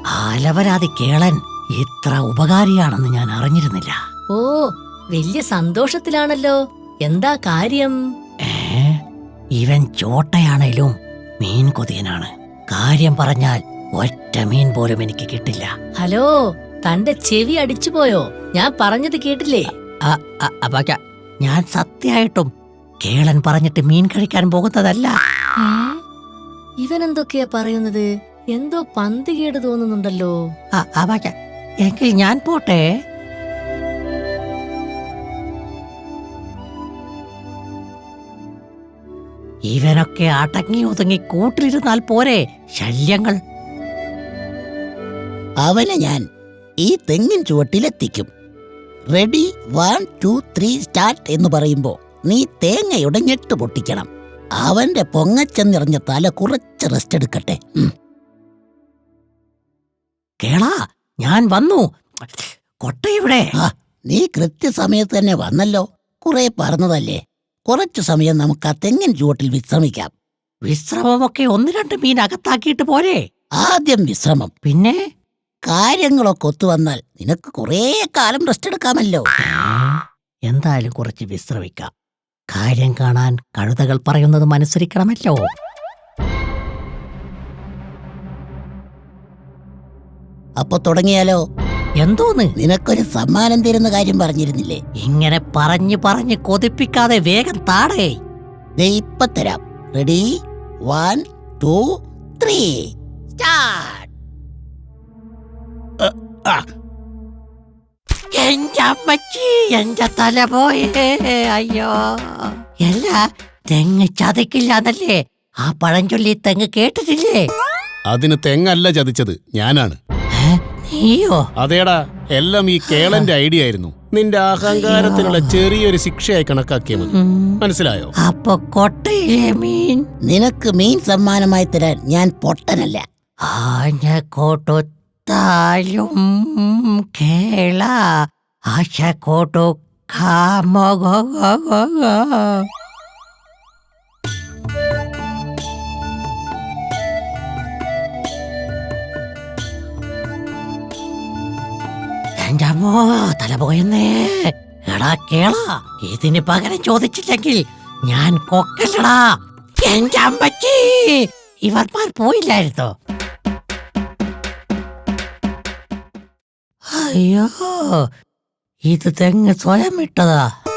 ആലവരാതി കേളൻ ഇത്ര ഉപകാരിയാണെന്ന് ഞാൻ അറിഞ്ഞിരുന്നില്ല. ഓ, വലിയ സന്തോഷത്തിലാണല്ലോ. എന്താ കാര്യം? ഇവൻ ചോട്ടയാണേലും മീൻ കൊതിയനാണ്. കാര്യം പറഞ്ഞാൽ ഒറ്റ മീൻ പോലും എനിക്ക് കിട്ടില്ല. ഹലോ, തന്റെ ചെവി അടിച്ചുപോയോ? ഞാൻ പറഞ്ഞത് കേട്ടില്ലേ? ഞാൻ സത്യമായിട്ടും കേളൻ പറഞ്ഞിട്ട് മീൻ കഴിക്കാൻ പോകുന്നതല്ല. ഇവൻ എന്തൊക്കെയാ പറയുന്നത്? എന്തോ പന്തികേട് തോന്നുന്നുണ്ടല്ലോ. എങ്കിൽ ഞാൻ പോട്ടെ. ഇവനൊക്കെ അടങ്ങി ഒതുങ്ങി കൂട്ടിലിരുന്നാൽ പോരെ ശല്യങ്ങൾ. അവനെ ഞാൻ ഈ തെങ്ങിൻ ചുവട്ടിലെത്തിക്കും. റെഡി 1 2 3 സ്റ്റാർട്ട് എന്ന് പറയുമ്പോ നീ തേങ്ങയുടെ ഞെട്ട് പൊട്ടിക്കണം. അവന്റെ പൊങ്ങച്ചെന്നിറഞ്ഞ തല കുറച്ച് റെസ്റ്റ് എടുക്കട്ടെ. കേളാ, ഞാൻ വന്നു. കൊട്ടയുടെ നീ കൃത്യസമയത്ത് തന്നെ വന്നല്ലോ. കുറെ പറഞ്ഞതല്ലേ, കുറച്ചു സമയം നമുക്ക് ആ തെങ്ങിൻ ചുവട്ടിൽ വിശ്രമിക്കാം. വിശ്രമമൊക്കെ 1-2 മീൻ അകത്താക്കിയിട്ട് പോരെ? ആദ്യം വിശ്രമം, പിന്നെ കാര്യങ്ങളൊക്കെ ഒത്തുവന്നാൽ നിനക്ക് കുറേ കാലം റെസ്റ്റ് എടുക്കാമല്ലോ. എന്തായാലും കുറച്ച് വിശ്രമിക്കാം. കാര്യം കാണാൻ കഴുതകൾ പറയുന്നത് അനുസരിക്കണമല്ലോ. അപ്പൊ തുടങ്ങിയാലോ? എന്തോന്ന്? നിനക്കൊരു സമ്മാനം തരുന്ന കാര്യം പറഞ്ഞിരുന്നില്ലേ? ഇങ്ങനെ പറഞ്ഞ് കൊതിപ്പിക്കാതെ വേഗം താടേ. ഇപ്പൊ തരാം. Ready 1 2 3 start. എന്റെ അമ്മച്ചി, എന്റെ തല പോയേ. അയ്യോ, അല്ല, തെങ്ങ് ചതക്കില്ലാന്നല്ലേ ആ പഴഞ്ചൊല്ലി? തെങ്ങ് കേട്ടിട്ടില്ലേ? അതിന് തെങ്ങല്ല ചതിച്ചത്, ഞാനാണ്. നീയോ? അതേടാ, എല്ലാം ഈ കേളന്റെ ഐഡിയ ആയിരുന്നു. നിന്റെ അഹങ്കാരത്തിനുള്ള ചെറിയൊരു ശിക്ഷയായി കണക്കാക്കിയ മതി. മനസ്സിലായോ? അപ്പൊ കൊട്ടയിലെ മീൻ നിനക്ക് മീൻ സമ്മാനമായി തരാൻ ഞാൻ പൊട്ടനല്ല. ആഞ്ഞ കൊടുത്താലും കേള ആശ കൊടുക്കാമോ? എന്റെ അമ്മോ, തല പോയെന്നേ. എടാ കേള, ഇതിന് പകരം ചോദിച്ചില്ലെങ്കിൽ ഞാൻ കൊക്കല്ലടാ. എന്റെ അമ്മച്ചി, ഇവർമാർ പോയില്ലായിരുന്നോ? അയ്യോ, ഇത് തെങ്ങ് സ്വയം ഇട്ടതാ.